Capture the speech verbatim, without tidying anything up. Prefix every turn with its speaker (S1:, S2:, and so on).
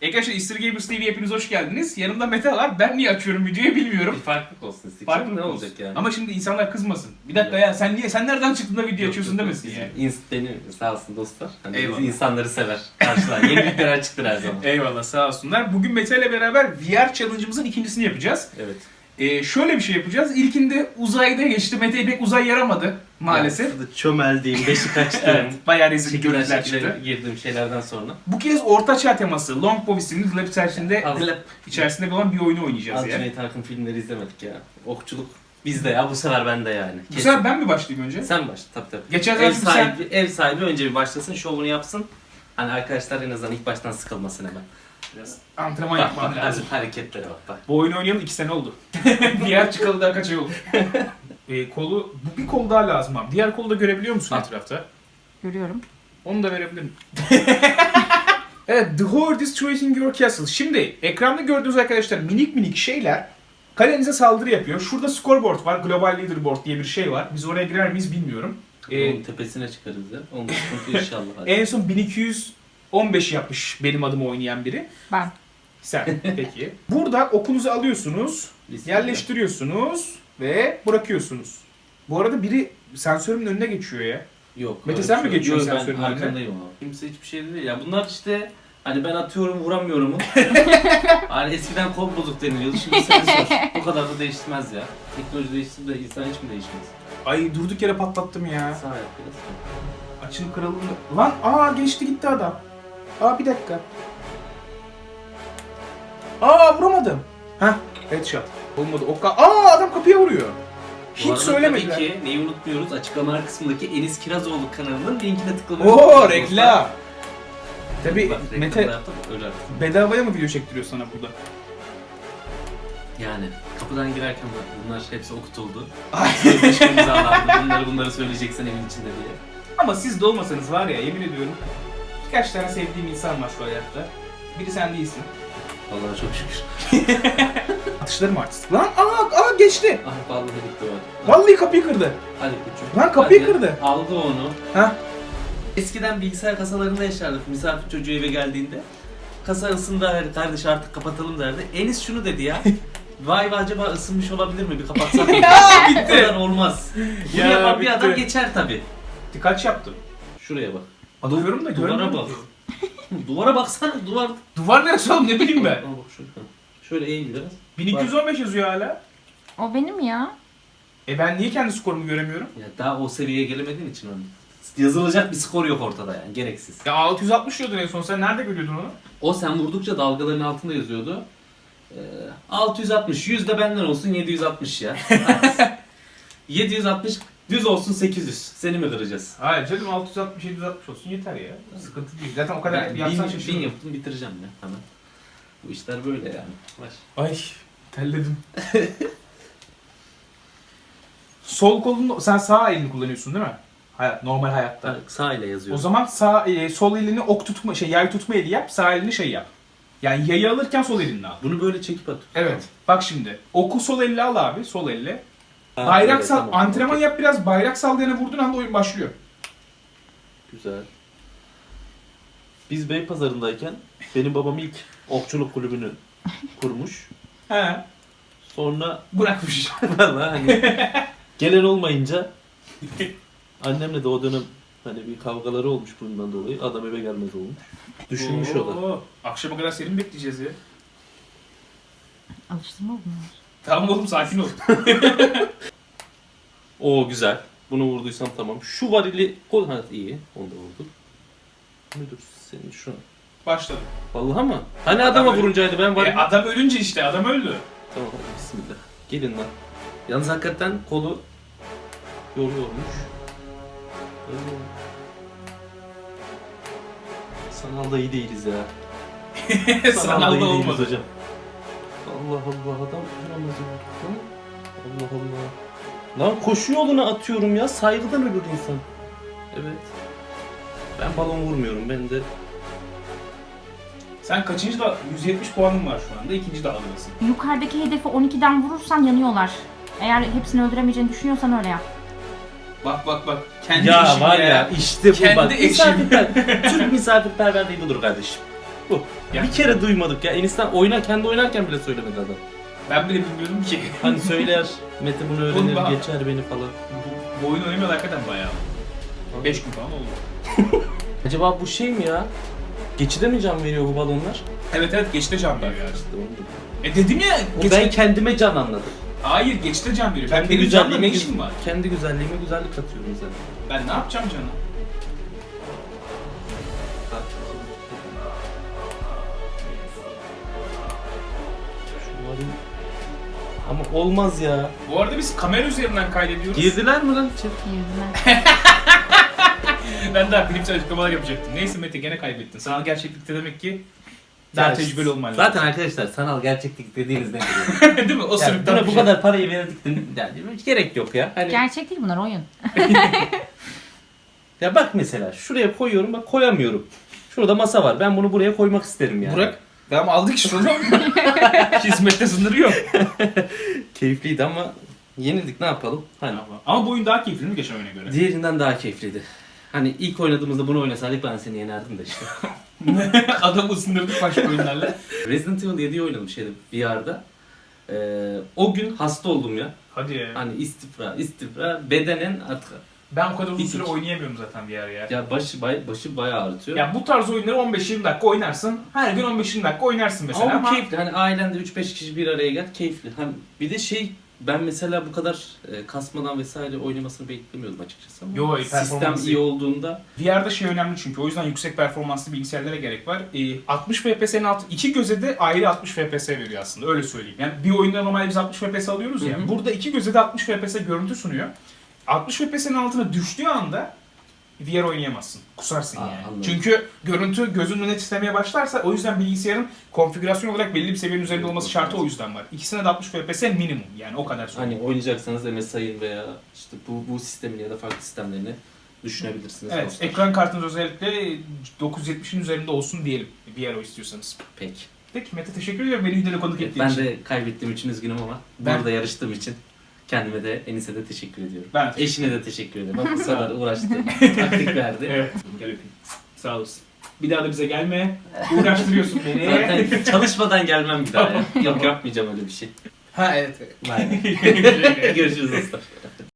S1: Arkadaşlar Easter Gamers T V hepiniz hoş geldiniz. Yanımda Mete var. Ben niye açıyorum videoyu bilmiyorum.
S2: Bir farklılık olsun istedik.
S1: Farklılık
S2: ne
S1: olsun.
S2: olacak yani?
S1: Ama şimdi insanlar kızmasın. Bir dakika ya sen niye sen nereden çıktın da video
S2: Yok,
S1: açıyorsun
S2: yok,
S1: demesin
S2: bizim
S1: yani.
S2: ins- benim sağ olsun dostlar. Hani biz
S1: Eyvallah.
S2: insanları sever. Karşılar. Yenilikler açıktır her zaman.
S1: Eyvallah sağ olsunlar. Bugün Mete ile beraber V R challenge'ımızın ikincisini yapacağız.
S2: Evet.
S1: Ee, şöyle bir şey yapacağız. İlkinde uzayda geçti. Mete'ye pek uzay yaramadı maalesef.
S2: Yani çömeldiğim, beşi kaçtığım.
S1: Evet, bayağı rezil
S2: Şekiller
S1: görüntüler
S2: şekiller
S1: çıktı.
S2: girdiğim şeylerden sonra.
S1: Bu kez orta çağ teması Longbow isimli Lab içerisinde,
S2: Az-
S1: Lab içerisinde olan bir oyunu oynayacağız
S2: Az
S1: yani.
S2: Cüneyt Arkın filmleri izlemedik ya. Okçuluk bizde ya. Bu sefer bende yani.
S1: Bu sefer ben mi başlayayım önce?
S2: Sen başla tabii tabii.
S1: Geçen
S2: Ev
S1: sefer sen...
S2: sahibi, ev sahibi önce bir başlasın, şovunu yapsın. Hani arkadaşlar en azından ilk baştan sıkılmasın hemen.
S1: Biraz antrenman
S2: Bak,
S1: yapmam
S2: bak,
S1: lazım.
S2: hareketlere bak bak.
S1: Bu oyunu oynayalı iki sene oldu. Diğer çıkalı daha kaç ay oldu. e, kolu, bu bir kol daha lazım abi. Diğer kolu da görebiliyor musun
S2: Ha.
S1: etrafta?
S3: Görüyorum.
S1: Onu da verebilirim. Evet, The Horde is Destroying Your Castle. Şimdi ekranda gördüğünüz arkadaşlar minik minik şeyler kalenize saldırı yapıyor. Şurada scoreboard var, Global Leaderboard diye bir şey var. Biz oraya girer miyiz bilmiyorum. Ee,
S2: Onun tepesine çıkarız ya. Onun sıkıntı inşallah. Hadi.
S1: en son bin iki yüz on beş yapmış benim adımı oynayan biri.
S3: Ben.
S1: Sen peki. Burada okunuzu alıyorsunuz,
S2: Bismillah.
S1: yerleştiriyorsunuz ve bırakıyorsunuz. Bu arada biri sensörümün önüne geçiyor ya.
S2: Yok.
S1: Mete
S2: öyle
S1: sen
S2: bir
S1: mi
S2: şey yok.
S1: geçiyorsun
S2: Yok,
S1: sensörün
S2: ben
S1: önüne?
S2: arkandayım ama. Kimse hiçbir şey değil ya. Bunlar işte hani ben atıyorum vuramıyorum. Hani eskiden kol bozuk deniliyordu. Şimdi sensör. Bu kadar da değişmez ya. Teknoloji değişti de insan hiç mi değişmez?
S1: Ay durduk yere patlattım ya.
S2: Sağ yap biraz.
S1: Açılıp kırıldı. Lan aa geçti gitti adam. Aa bir dakika. Aa vuramadım. Heh headshot. Olmadı. O ka- aa adam kapıya vuruyor.
S2: Bu
S1: Hiç
S2: arada
S1: söylemediler.
S2: Tabii ki neyi unutmuyoruz? Açıklamalar kısmındaki Enis Kirazoğlu kanalının linkine tıklamayı
S1: Oo
S2: unutmayın
S1: reklam. Tabii
S2: Bak, reklamı
S1: Mete
S2: da yaptım, öyle artık.
S1: bedavaya mı video çektiriyor sana burada?
S2: Yani kapıdan girerken bak bunlar hepsi okutuldu.
S1: Ay.
S2: Sözleşme imzalandı. Bunları bunları söyleyeceksin evin içinde diye.
S1: Ama siz de olmasanız var ya yemin ediyorum birkaç tane sevdiğim insan var şu hayatta. Biri sen değilsin.
S2: Vallahi çok şükür.
S1: Atışlarım artistik. Lan aa, aa geçti.
S2: Ah vallahi gitti o.
S1: Vallahi kapıyı kırdı.
S2: Hadi kuçum.
S1: Lan kapıyı
S2: Hadi.
S1: kırdı.
S2: Aldı onu.
S1: Ha?
S2: Eskiden bilgisayar kasalarında yaşardık misafir çocuğu eve geldiğinde. Kasa ısındı her kardeş artık kapatalım derdi. Enis şunu dedi ya. Vay be acaba ısınmış olabilir mi? Bir kapatsak mı?
S1: Ya, bitti.
S2: Bu kadar olmaz. Bunu
S1: Ya,
S2: yapan bir
S1: bitti.
S2: adam geçer tabi.
S1: Kaç yaptım?
S2: Şuraya bak.
S1: Bakıyorum da
S2: Duvara
S1: görmüyorum
S2: bak.
S1: ki.
S2: Duvara baksana duvar.
S1: Duvar neresi oğlum ne bileyim ben.
S2: Aa, bak şöyle. Şöyle eğil biraz.
S1: bin iki yüz on beş yazıyor hala.
S3: O benim ya.
S1: E ben niye kendi skorumu göremiyorum?
S2: Ya daha o seviyeye gelemediğin için onu. Yazılacak bir skor yok ortada yani gereksiz.
S1: Ya altı yüz altmış diyordun en son sen nerede görüyordun onu?
S2: O sen vurdukça dalgaların altında yazıyordu. Ee, altı yüz altmış, yüz de benden olsun yedi yüz altmış ya. yedi yüz altmış düz olsun sekiz yüz. Seni mi kıracağız?
S1: Hayır canım altı yüz altmış yedi yüz altmış olsun yeter ya. Sıkıntı değil. Zaten o kadar
S2: Ben
S1: yapsan
S2: bin, bin
S1: şaşırırım.
S2: yaptım bitireceğim ya hemen. Bu işler böyle yani. Var.
S1: Ay terledim. Sol kolunu sen sağ elini kullanıyorsun değil mi? Hayat, normal hayatta.
S2: Ha, sağ ile yazıyor.
S1: O zaman sağ e, sol elini ok tutma şey yay tutma eli yap, sağ elini şey yap. Yani yayı alırken sol elinle al.
S2: Bunu böyle çekip at.
S1: Evet. Bak şimdi. Oku sol elle al abi, sol elle.
S2: Ha,
S1: Bayrak
S2: evet,
S1: sal,
S2: tamam.
S1: antrenman
S2: Okey.
S1: yap biraz. Bayrak sallayana vurduğun anda oyun başlıyor.
S4: Güzel. Biz Beypazarı'ndayken benim babam ilk okçuluk kulübünü kurmuş.
S1: He.
S4: Sonra
S1: Bırakmış.
S4: valla hani gelen olmayınca annemle de o dönem hani bir kavgaları olmuş bundan dolayı. Adam eve gelmez olmuş. Düşünmüş o da.
S1: Oo, akşama kadar seni mi bekleyeceğiz ya?
S3: Alıştırma bunlar.
S1: Tamam oğlum sakin ol.
S4: O güzel. Bunu vurduysam tamam. Şu varili kol ha iyi. Onu da vurdum. Müdür senin şu.
S1: Başladı.
S4: Vallahi mı? Hani adama
S1: öyle-
S4: vuruncaydı ben
S1: E,
S4: varil.
S1: adam ölünce işte adam öldü.
S4: Tamam hadi bismillah. Gelin lan.
S2: Yalnız hakikaten kolu
S4: Yoruyormuş. Öyle. Sanalda iyi değiliz ya.
S1: Sanalda
S4: iyi değiliz
S1: olmadı.
S4: hocam. Allah Allah adam vuramaz ya. Hı? Allah Allah. Lan koşu yoluna atıyorum ya. Saygıdan ölür insan. Evet. Ben balon vurmuyorum. Ben de
S1: Sen kaçıncı da yüz yetmiş puanın var şu anda. İkinci dağılıyorsun.
S3: Yukarıdaki hedefi on ikiden vurursan yanıyorlar. Eğer hepsini öldüremeyeceğini düşünüyorsan öyle yap.
S1: Bak bak bak. Kendi
S4: ya
S1: işin
S4: var ya, işte bu
S1: Kendi
S4: bak.
S1: eşim.
S4: Misafirper Türk misafirperverliği budur kardeşim. Bu.
S1: Ya.
S4: Bir kere duymadık ya. Enis'ten oynar, kendi oynarken bile söylemedi adam.
S1: Ben bile bilmiyordum ki.
S4: Hani söyler, Mete bunu
S1: Oğlum
S4: öğrenir,
S1: bak-
S4: geçer beni falan.
S1: Bu, bu oyun oynamıyor hakikaten bayağı. beş gün falan oldu.
S4: Acaba bu şey mi ya? Geçide mi can veriyor bu balonlar?
S1: Evet evet geçte can veriyor yani.
S4: İşte onu da-
S1: E dedim ya
S4: O
S1: geçte...
S4: ben kendime can anladım.
S1: Hayır geçte can veriyor. Ben
S4: Kendi
S1: benim canla ne
S4: güzelliğime,
S1: işim var?
S4: kendi güzelliğime güzellik katıyorum zaten.
S1: Ben ne yapacağım canım?
S4: Şu varayım. Ama olmaz ya.
S1: Bu arada biz kamera üzerinden kaydediyoruz.
S4: Girdiler mi lan? Çek.
S3: Yüzüne.
S1: Ben daha klipsel açıklamalar yapacaktım. Neyse Mete gene kaybettin. Sanal gerçeklikte demek ki daha
S4: Ya,
S1: tecrübeli olman lazım.
S4: Zaten arkadaşlar sanal gerçeklik dediğiniz ne?
S1: Değil mi? O
S4: Yani
S1: sırıktan
S4: buna
S1: bir
S4: bu
S1: şey.
S4: kadar parayı verdik de yani hiç gerek yok ya. Hani
S3: Gerçek değil bunlar, oyun.
S4: ya bak mesela şuraya koyuyorum bak koyamıyorum. Şurada masa var. Ben bunu buraya koymak isterim yani.
S1: Burak, tamam aldık işte oğlum. Hizmette sınırı yok.
S4: Keyifliydi ama yenildik ne yapalım? Hani
S1: Ama bu oyun daha keyifli mi geçen oyuna göre?
S4: diğerinden daha keyifliydi. Hani ilk oynadığımızda bunu oynasaydık ben seni yenerdim de işte.
S1: Adamı ısındırdık başka oyunlarla.
S4: Resident Evil yediyi oynadım şeyde V R'da. Ee, o gün hasta oldum ya.
S1: Hadi ya.
S4: Hani istifra, istifra, bedenen artık.
S1: Ben o kadar uzun
S4: Bitik.
S1: süre oynayamıyorum zaten bir yer ya.
S4: Ya başı bay, başı bayağı ağrıtıyor.
S1: Ya bu tarz oyunları on beş yirmi dakika oynarsın. Her gün on beş yirmi dakika oynarsın mesela
S4: ama,
S1: ama...
S4: bu keyifli. Hani ailende üç beş kişi bir araya gel keyifli. Hani bir de şey ben mesela bu kadar e, kasmadan vesaire oynamasını beklemiyordum açıkçası ama
S1: Yo,
S4: sistem
S1: performansı-
S4: iyi olduğunda
S1: V R'da şey önemli çünkü o yüzden yüksek performanslı bilgisayarlara gerek var. Ee, altmış F P S'nin altı, iki göze de ayrı altmış F P S veriyor aslında öyle söyleyeyim. Yani bir oyunda normalde biz altmış F P S alıyoruz ya.
S4: Hı hı.
S1: Burada iki göze de altmış F P S görüntü sunuyor. altmış F P S'nin altına düştüğü anda V R oynayamazsın. Kusarsın
S4: Aa,
S1: yani.
S4: anladım.
S1: Çünkü görüntü gözünün önüne titremeye başlarsa o yüzden bilgisayarın konfigürasyon olarak belli bir seviyenin üzerinde olması şartı o yüzden var. İkisine de altmış F P S minimum yani o kadar söyleyeyim.
S4: hani oynayacaksanız M S I'ın veya işte bu bu sistemin ya da farklı sistemlerini düşünebilirsiniz.
S1: Evet,
S4: dostlar.
S1: ekran kartınız özellikle dokuz yüz yetmişin üzerinde olsun diyelim V R o istiyorsanız.
S4: Peki.
S1: Peki Mete teşekkür ediyorum beni videoda konuk ettiğin
S4: Ben
S1: için.
S4: de kaybettiğim için üzgünüm ama
S1: Ben-
S4: burada yarıştığım için kendime de Enis'e de teşekkür ediyorum.
S1: Ben
S4: Eşine de teşekkür ederim. Bak bu sefer uğraştı. Taktik verdi.
S1: Evet. Gel öpeyim. Sağ olasın. Bir daha da bize gelme. Uğraştırıyorsun beni.
S4: Zaten çalışmadan gelmem bir daha ya. Yok yapmayacağım öyle bir şey.
S1: Ha evet. evet.
S4: Bye. Görüşürüz dostlar.